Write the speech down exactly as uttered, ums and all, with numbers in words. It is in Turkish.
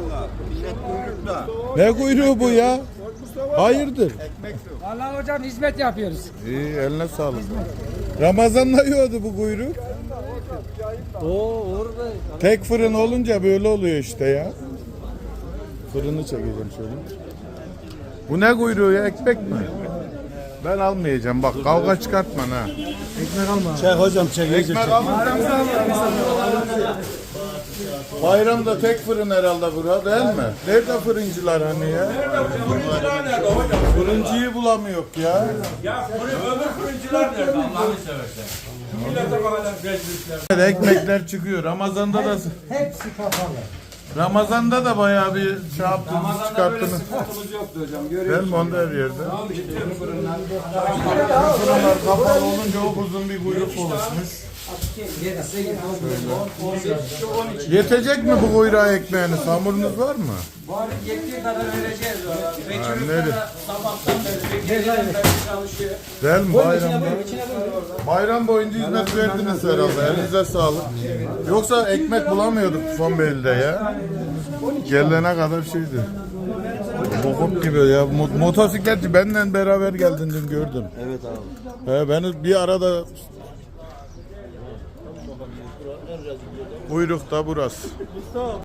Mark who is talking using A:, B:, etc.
A: valla. Millet kuyrukta.
B: Ne kuyruğu bu ya? Hayırdır?
C: Vallahi hocam hizmet yapıyoruz.
B: İyi, eline sağlık. Ramazan'da yiyordu bu kuyruk.
C: Oo orada.
B: Tek fırın olunca böyle oluyor işte ya. Fırını çekeceğim şöyle. Bu ne kuyruğu ya? Ekmek mi? Ben almayacağım. Bak kavga çıkartma ha.
C: Ekmek alma.
A: Çek hocam çek.
B: Ekmek alma. Bayramda tek fırın herhalde bura değil mi? Nerede fırıncılar hani ya?
D: Fırıncılar nerede hocam?
B: Fırıncıyı bulamıyor ya.
D: Ya fırın, öbür fırıncılar nerede Allah'ını seversen? Şu millete bakalım rezillikler.
B: Ekmekler çıkıyor. Ramazan'da da
C: Hepsi kapalı.
B: Ramazan'da da bayağı bir şey yaptınız,
D: Ramazan'da böyle
B: çıkarttınız.
D: sıkıntımız yoktu hocam.
B: Değil
D: Görüyorsunuz.
B: mi? Onda her yerde.
D: Bütün fırınlar.
B: Fırınlar kapalı olunca o uzun bir kuyruk oluşmuş. Yetecek mi bu kuyruğa ekmeğiniz? Hamurunuz var mı?
D: Var yettiği kadar vereceğiz.
B: Ha,
D: Vekil
B: nerede?
D: Usta da sabahtan beri geceden beri çalışıyor.
B: Değil mi? Bayramda. Bayram boyunca hizmet verdiniz herhalde. Elinize sağlık. Yoksa ekmek bulamıyorduk Tufanbeyli'de ya. Gelene kadar şeydi. Bokum gibi ya. Mo- Motosikletçi benden beraber geldin dün gördüm.
A: Evet abi.
B: He, beni bir arada kuyrukta burası.